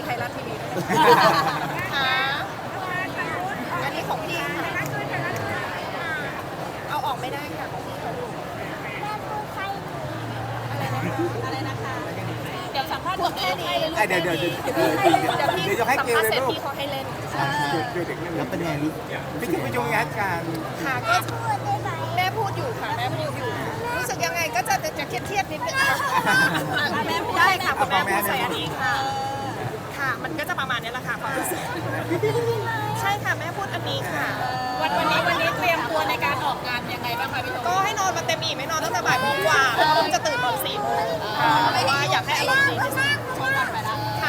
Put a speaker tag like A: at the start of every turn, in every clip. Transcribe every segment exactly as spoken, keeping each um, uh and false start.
A: ไทยรัฐทีวีค่ะอันนี้ของพี่ค่ะเอาออกไม่ได้ค่ะของพี่ของลูกอะไรนะคะ เดี๋ยวสัมภาษณ์หมดแค่นี้
B: เดี๋ยวเดี๋ยวเดี๋ยวเดี๋ยวเดี๋ยวจะให้เกลเลยลูกพี่เขาให้เล่นแล้วเป็นไงลูกพี่คิดว่าจะงานการ
A: ค่ะก็แม่พูดอยู่ค่ะแม่พูดอยู่รู้สึกยังไงก็จะจะเครียดเครียดนิดนึงค่ะแม่ได้ค่ะพอแม่พูดใส่อันนี้ค่ะค่ะมันก็จะประมาณนี้แหละค่ะความรู้สึกใช่ค่ะแม่พูดอันนี้ค่ะ
C: วันวันนี้วันนี้เตรียมตัวในการออกงานยังไงบ้างคะพี่โต
A: ก็ให้นอนมาเต็มอิ่มไม่นอนตั้งแต่บ่ายโมงกว่าแล้วก็จะตื่นตอนสี่โมงเพราะว่าอยากให้อารมณ์ดีที่สุด
C: ชอบกันไปแล้ว
A: ค่ะ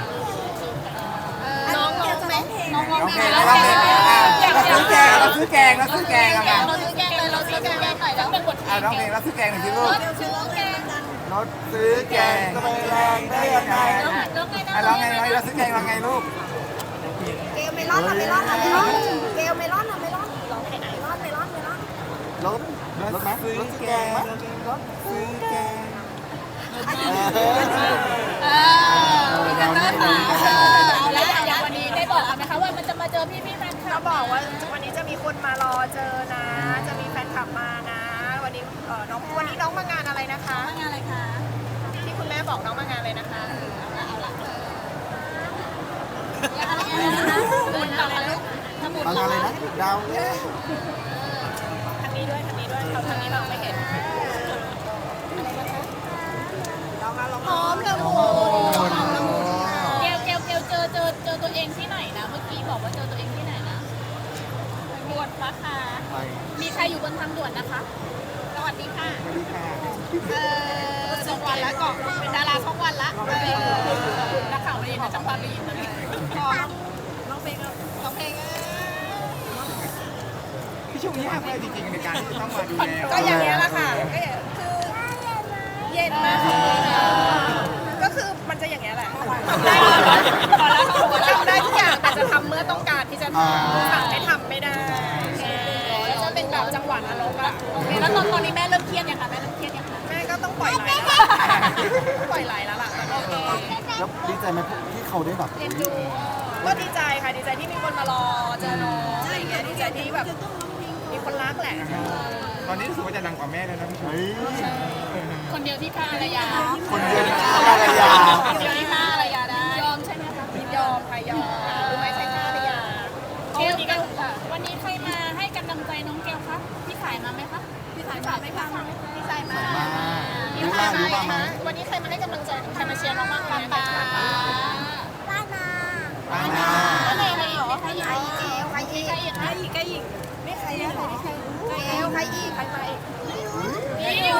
A: น้องร้องไหม
C: น้องร้องเพลง
B: เราเราซื้อแกงเราซื้อแกงเราซื้อแกงกัน
C: เราซื้อแกงเลยเราซื้อแกงหน่อยแล้วเป็นบทเพล
B: อ่าง ร้องเพลงเราซื้อแกงหน่อยสิลูก
C: ซื้อแกง
B: รถซื้อแกงก็ไม่แรงได้ยังไงร้องไงเราซื้อแกงเราไงลูก
A: เกลเมลอนเมลอนเมลอนเกลเมลอนเมลอนร้องเพลงไหนเมลอนเมลอนเมลอน
B: รถรถไหมรถแกงรถซื้อแกง
C: เออแล้วอย่างวันนี้ได้บอกไหมคะว่ามันจะมาเจอพี่พี่แฟนคลับ
A: เขาบอกว่าวันนี้จะมีคนมารอเจอนะจะมีแฟนคลับมานะวันนี้เออน้องวันนี้น้องมางานอะไรนะคะ
C: งานอะไรคะ
A: ที่คุณแม่บอกน้องมางานเลยนะคะ
C: เอาละอะไรนะคะบุญอะไรลูกทำบุญ
B: อะไรนะดาว
A: ทางนี้ด้วยทางนี้ด้วยเขาทางนี้เราไม่เห็นหอมละมุน
C: เกลเกลเกลเจอเจอเจอตัวเองที่ไหนนะเมื่อกี้บอกว่าเจอตัวเองที่ไหนนะด่วนฟ้าค่ะมีใครอยู่บนทางด่วนนะคะสวัสดีค่ะ
B: สวัสดีค่ะ
C: เออช่องวันแล้วก็เป็นดาราช่องวันละนักข่าวได้ยินนะจังหวัดได้ยินนะร้องเพลงร้องเพลง
B: พี่ช่วงนี้ยากเลยจริงๆในการที่ต้องมาดูแล
A: ก็อย่างนี้แหละค่ะก็คือเย็นมากก็คือมันจะอย่างนี้แหละทำได้ทุกอย่างแต่จะทำเมื่อต้องการที่จะทำสั่งให้ทำไม่ได้จะเป็นแบบจังหวะนรกอะ
C: แล้วตอนตอนนี้แม่เริ่มเครียดยังคะแม่เริ่มเครียดยังคะ
A: แม่ก็ต้องปล่อยไหลปล่อยไหลแล้วล่ะ
B: แล้วดีใจไหมที่เขาได้แบบ
A: เรียนดูก็ดีใจค่ะดีใจที่มีคนมารอเจอน้องอะไรเงี้ยดีใจที่แบบมีคนรักแหละ
B: ตอนนี้รู้สึกว่าจะดังกว่าแม่แล้วนะพี่
C: คนเดียวที่ฆ่าอารยา
B: คนเดียวที่ฆ่าอารยา
C: คนเดียวที่ฆ่าอารยาได้ยอมใช่ไหมคะ
A: ยอมค่ะยอมรู้ไหมใช่ฆ่าอารยา
C: เกลเกลวันนี้ใครมาให้กำลังใจน้องเกลคะพี่สายมาไหมคะพี่สายมาไหมคะพี่สายมา
A: พี่สายมาไหมวันนี้ใครมาให้กำลังใจใครมาเชียร์น้องบ้างคะ
C: ป้า
A: ป้านา
B: ป้านา
A: ป้านาอะไรหรอใครอีกใครอีก
C: ใครอีกใครอีกใครอีก
A: ไม่ใครอะใครใครเอวใครอีกใครมาอีก
C: พี่อยู่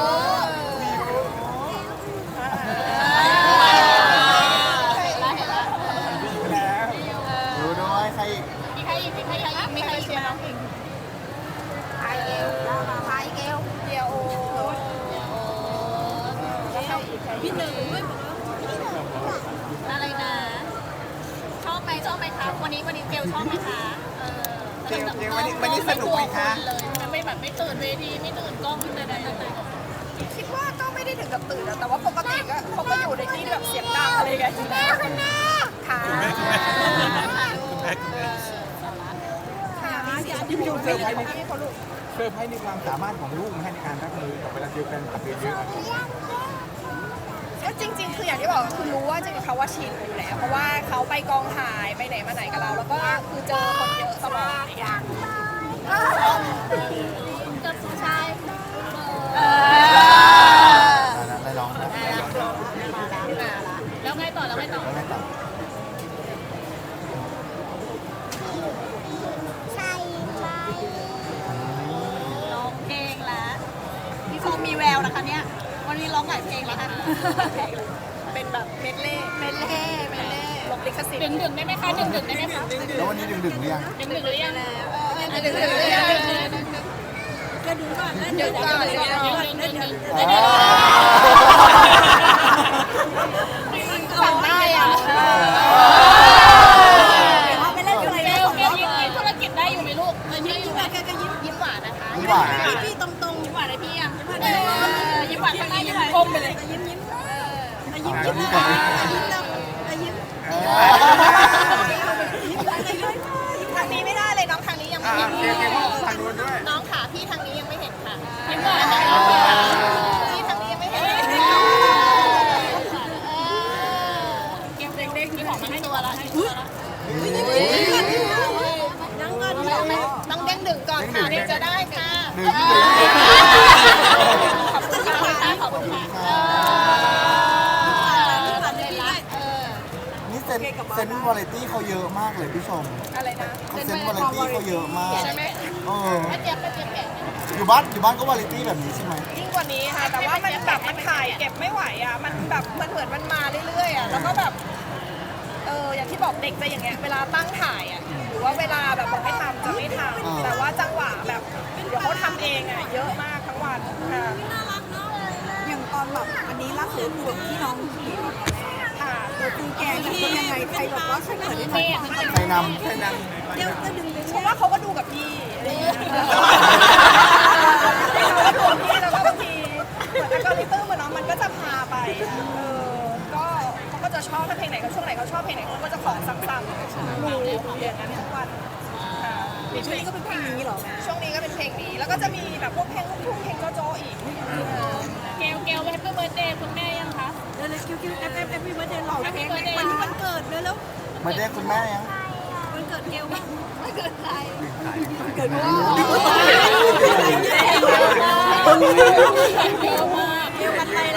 B: ดูด้วยใครอีก
C: มีใครอีกมีใครอีกมีใครเชียร์น้องอีก
A: ใครเอวใครเอวเดียว
C: พี่หนึ่งอะไรนะชอบไหมชอบไหมคะวันนี้วันนี้เกลชอบไหมคะ
B: เกลเกลวันนี้วันนี้สนุกไหมคะ
C: ไม่แบบไม่ตื่นเวทีไม่ตื่นกล้องขึ้นเลยเลย
A: คิดว่าก็ไม่ได้ถึงกับตื่นแต่ว่าปกติก็เขาก็อยู่ในที่แบบเสียงดังอะไรกันอยู่แล้วคุณแม่ค่ะคุณแม่คุณแม่คุณแม่คุณแม่ค่ะ
B: ที่พี่ดูเซอร์ไพรส์ในเซอร์ไพรส์ในความสามารถของลูกในการรับมือกับเวลาเดียวกันกับเยอะ
A: ๆจริงๆคืออย่างที่บอกคือรู้ว่าจริงๆเขาว่าชินอยู่แล้วเพราะว่าเขาไปกองถ่ายไปไหนมาไหนกับเราแล้วก็คือเจอคนเยอะตลอดอย่าง
C: กับผู้ชาย
B: ได้ร้อง
C: แล้วไงต่อแล้วไงต่อ
A: ใช่
C: ร้องเพลงแล้วพี่โฟมีแววนะคะเนี่ยวันนี้ร้องหลายเพลงแล้วค่ะ
A: เป็นแบบเมดเล่เมดเล่เมดเล่ลบลิขสิทธิ์
C: ดึงดึงได้ไหมคะดึงดึงได้ไหมคะ
B: แล้ววันนี้ดึงดึงหรือยัง
C: ดึงดึงหรือยัง
A: ดึงดึงหรือยัง
C: ก็ดึงก่อนดึงก่อนดึงดึงดึงดึง
A: สั่งได้อ่ะ
C: ไปเล่นอะไรเกลเกลยิ้มธุรกิจได้อยู่ไหมลูกยิ้มยิ้มแกก็ยิ้มยิ้มหวานนะคะ
B: ยิ้มหวาน
C: พี่ตรงตรงยิ้มหวานเลยพี่อ่ะยิ้มหวานทางนี้ยิ้มก้มไปเลยยิ้มยิ้มยิ้มยิ้มยิ้มยิ้มยิ้มของมาให้ตัวละให้ตัวละ
A: นั่งก่อนต้องเด้งดึงก่อนค่ะถึงจะได้ค่ะ
B: หนึ่งที่เหลือ
C: ขอบคุณค่ะขอบคุณค่ะเออทำเลยละเออ
D: นี่เซนเซนวาไรตี้เขาเยอะมากเลยพี่ชม
A: อะไรนะ
D: เขาเซนวาไรตี้เขาเยอะมาก
A: ใช่ไหม
D: เออ
C: ป้าเจี๊ยบป้าเจี๊ยบแกะ
D: อยู่บ้านอยู่บ้านก็วาไรตี้แบบนี้ใช่ไหม
A: ยิ่งกว่านี้ค่ะ แต่ว่ามันแบบมันถ่ายเก็บไม่ไหวอ่ะ มันแบบมันเหมือนมันมาเรื่อยๆอ่ะ แล้วก็แบบ เอออย่างที่บอกเด็กจะอย่างเงี้ย เวลาตั้งถ่ายอ่ะ หรือว่าเวลาแบบบอกให้ทำจะไม่ทำแต่ว่าจังหวะแบบเดี๋ยวเขาทำเองอ่ะ เยอะมากทั้งวันค่ะ
E: อย่างตอนแบบอันนี้รักหรือห่วงที่น้องขี่รถ
A: ค่ะ
E: ตัวคือแกงเป็นยังไงใครแบบว่าช่วยเหลือได้ไหม
D: ใครน
B: ใช่นั่ง
E: เดี๋ยวก็ดึงดึง
A: เพราะว่าเขาก็ดูกับพี่อะไรอย่างเงี้ยเขาก็ดูกับพี่แล้วก็บางทีเหมือนอัลกอริทึมอะเนาะมันก็จะพาไป เออ ก็เขาก็จะชอบถ้าเพลงไหนเขาช่วงไหนเขาชอบเพลงไหนเขาก็จะขอซ้ำๆดูอย่างนั้นทุกวันค่ะ
E: ช่วงนี้ก็เป็นเพลงนี้เหรอแม่
A: ช่วงนี้ก็เป็นเพลงนี้ แล้วก็จะมีแบบพวกเพลงลูกทุ่งเพลงโจโจอีก
C: เกลเกลแฮปปี้เบิร์ดเดย์คุณแม่ยังคะ
E: เร็วๆคิวคิวเอฟเอฟเอฟวีวันเดย์หล่อเพลงวันที่วันเกิดเร็ว
D: ำมาได้คุณแม่ยัง
E: ๆวันเกิดเกลบ้าง
C: ไม่เกิดใคร
E: เกิดว่า
C: เยอะมาก
E: เกลวันอะไรละ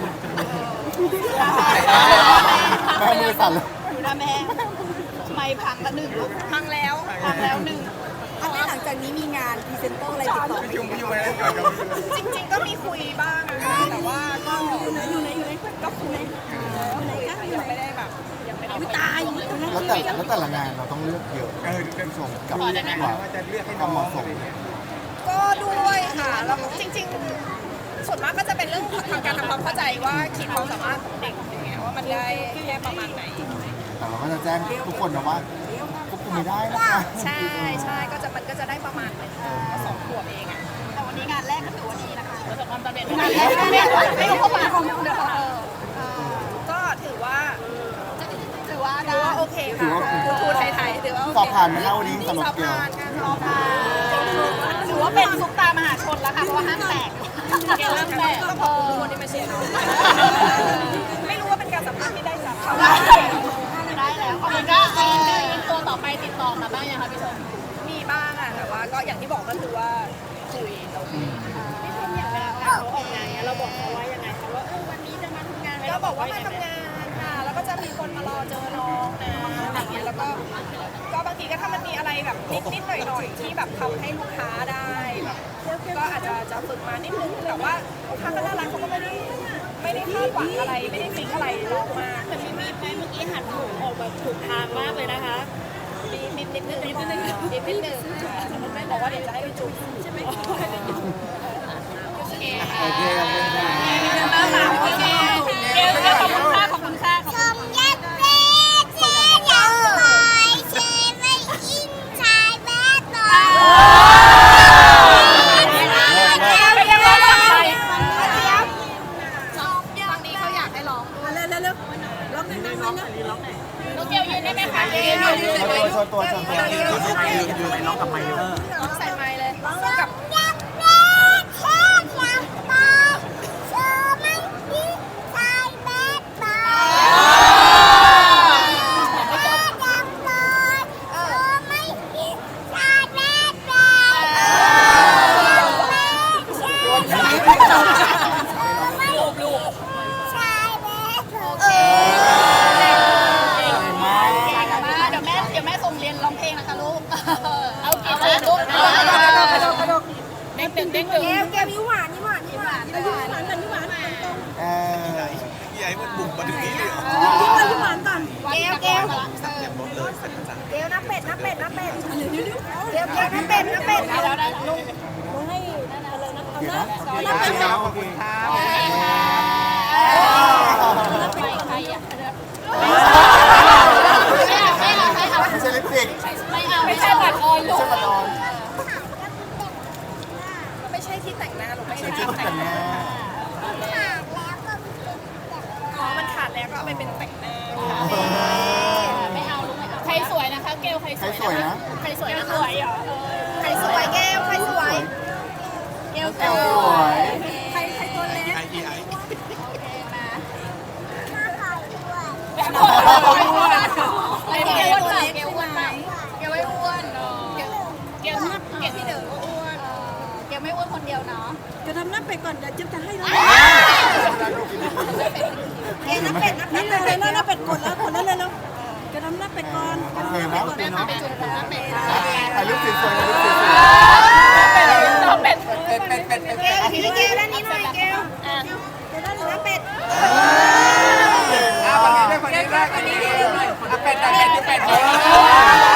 D: แม่มือสั่นเลย
E: อยู่นะแม่ไม่พังละหนึ่งลูก
A: พังแล้ว
E: พังแล้วหนึ่งอันนี้หลังจากนี้มีงานพรีเซนเตอร์อะไรติดต่อไหม
B: พี่จุ่มพี่จุ่มอะไรก่อน
A: จริงๆก็มีคุยบ้างนะคะแต่ว่าก็
E: อยู่ไหนอยู่ไหนอยู่ไหน
A: ก็คุย
E: อยู่ไหนกันอยู่
A: ยัง
E: ไหน
A: ไม่ได้แบบยังไม่ได้
E: อุ้ยตายอยู่ตรงนั้น
D: แล้วแต่แล้วแต่ละงานเราต้องเลือกเยอะ
B: เออ
D: พี่ชมกับ
B: ว่า
D: ว่า
B: จะเลือกให้น้องอะไรเงี้ย
A: ก็ด้วยค่ะแล้วจริงๆ ส่วนมากก็จะเป็นเรื่องทางการทำความเข้าใจว่าขีดความสามารถของเด็กอย่างเงี้ยว่ามันได้แค่ประมาณไหน
D: แต่เราก็จะแจ้งทุกคนนะว่าควบคุมไม่ได้นะคะ
A: ใช่ใช่ก็จะมันก็จะได้ประมาณหนึงก็สองขวบเองอ่ะ
E: แต่วันนี้งานแรกก็ถือว่าดีนะคะ
C: ประสบความสำเร็จ
A: ไม่ไม่ไม่รู้เข้ามาก็ถือว่า
E: ถือว่า
A: ถือว่าโอเคค่ะทูทูไทยๆถือว่าโอเค
D: สอบผ่านไหมคะวันนี้สำหรับ
A: สอบ
D: เกียว
A: ผ่านค่ะสอบผ่าน
C: ถือว่าเป็นซุปตามหาชนแล้วค่ะเพราะว่าห้างแตกเกลห้างแตก
A: ต้องขอบคุณทุกคนที่มาเชียร์เราไม่รู้ว่าเป็นการสัมภาษณ์ที่ได้จากเขา
C: ได้แล้วเอาเป็นว่าเออตัวต่อไปติดต่อมาบ้างยังคะพี่ชม
A: มีบ้างอะแต่ว่าก็อย่างที่บอกก็คือว่าคุยเราคุย
C: พี่ชมอย่างเวลาเขาออกงานเนี้ยเราบอกเขาว่ายังไงคะว่าเออวันนี้จะมาทำงานไหม
A: ก็บอกว่ามาทำงานค่ะแล้วก็จะมีคนมารอเจอน้องนะอะไรเงี้ยแล้วก็ก็บางทีก็ถ้ามันมีอะไรแบบนิดนิดหน่อยหน่อยๆที่แบบทำให้ลูกค้าได้แบบก็อาจจะจะฝึกมานิดนึงแต่ว่าลูกค้าก็น่ารักเขาก็ไม่ได้ไม่ได้คาดหวังอะไรไม่ได้ฟิกอะไรลองมา
C: แต่มีมีดไหมเมื่อกี้หันหูออกแบบถูกทางมากเลยนะคะ
A: มีนิดนิดนิดนิดนึงนิดนิดนึงไม่บอกว่าเดี๋ยวจะให้ไปจุ๊บใช่ไหม
C: โอเคค่ะ
D: โอเคขอบคุณค่ะ
C: โอเคเกลเกลขอบคุณค่ะขอบคุณค่ะขอบคุณ
F: ยัดเล่เชียร์ยังคอยเชียร์ไม่อินชายแบดบอย
A: เป็นยังไงบ้างคะบางทีเขาอยากให้ร้องด้วย
E: เร็วเร็วเร็วร้องหนึ่งร้องหนึ่งร้องหนึ่ง
C: น้องเกลยืนได้ไหมคะเกลยืน
D: โชว์ตัวโชว์ตัวโชว์ตัว
B: ยืนไปน้องกับไมค์
A: ร้องใส่ไมค์เลยกับ
F: ยัดเล่เชียร์ยังคอยเชียร์ไม่อินชายแบดบอยยังคอยเชียร์ไม่อินชายแบดบอยเชียร์ไม่อินชายแบดบอย
C: เดี๋ยวแม่เดี๋ยวแม่ส่งเรียนร้องเพลงนะคะลูกเอาเกลเจอลูกเด้งดึงเด้งดึง
E: แก้วแก้วนิ้วหวานนิ้วหวานนิ้วหวานนิ้วหวานนิ้วหวานนิ้วหวานตรง
D: เออ
B: ใหญ่มันบุกมาถึงนี้เลยเหรอ
E: นิ้วหวานนิ้วหวานก่อน
A: แก้วแก้ว
B: อย่างรถเลยสักจัง
A: แก้วน้ำเป็ดน้ำเป็ดน้ำเป็ดแก้วแก้วน้ำเป็ดน้ำเป็ด
C: ได้แล้วได้แล้วลูก
E: ให้นั่นอะไรนะเอา
D: เดี๋ยว
E: นะ
D: นะ
E: เอา
D: เดี๋ยว
E: นะ
D: นะ
B: ขอบคุณครับ
C: ใครใครอ่ะ
D: ไม่ใช่ลิปสติก
C: ไม่เอาไม่ใช่บัตรออยลู
D: ไม่
C: ก
D: ใช่ปัดออน
A: ไม่ใช่ที่แต่งหน้าหรอกไม่
D: ไม่
A: ใช่
D: ใช่
A: ที่
D: ชุด
A: แต่
D: แต่
A: ง
D: ง
A: ห
D: ห
A: น้า
D: น้า
A: อ๋อมันขาดแล้วก็เอาไปเป็นแต่งหน้า
C: ไม่เอาลูกไม่เอาใครสวยนะคะเกลใครส
D: ใคร
C: วย
D: สวย
C: นะคะ
D: นะ
C: ใครสวยนะคะสวยเหรอ
A: ใครสวยแก้วใครสวย
C: เกล
D: แก้วสวย
E: ใครใครตัวเล็ก
B: ไอไอ
F: หน้าคอยด้วย
C: แบบเกลอ้วนเปล่าเกลอ้วนเปล่าเกลไม่อ้วนเนาะเกลเกลเกลพี่เด๋อก็อ้วนเกลไม่อ้วนคนเดียวเนาะ
E: จะทำหน้าเป็ดก่อนเดี๋ยวจิ๊บจะให้เลย
F: เกลน้ำเป็ด
E: นี่เลยเลยหน้าเป็ดกดแล้วกดแล้วเลยแล้วจะทำหน้าเป็ดก่อน
D: โอเคไหมโอเคเนาะ
C: ไปจุดน้ำเป็ด
B: ถ่ายรูปสวยๆถ่ายรูปสวย
C: น้ำเป็ด
B: ๆเป็ดเป็ดเป็ดเป็ด
F: เกลพี่เกลด้านนี้หน่อยเกล
C: อ่ะ
F: จะได้น้ำเป็ด
B: อ่ะฝั่งนี้ด้วยฝั่งนี้ด้วยฝั่งนี้ด้วยอ่ะเป็ดอ่ะเป็ดเป็ดเป็ด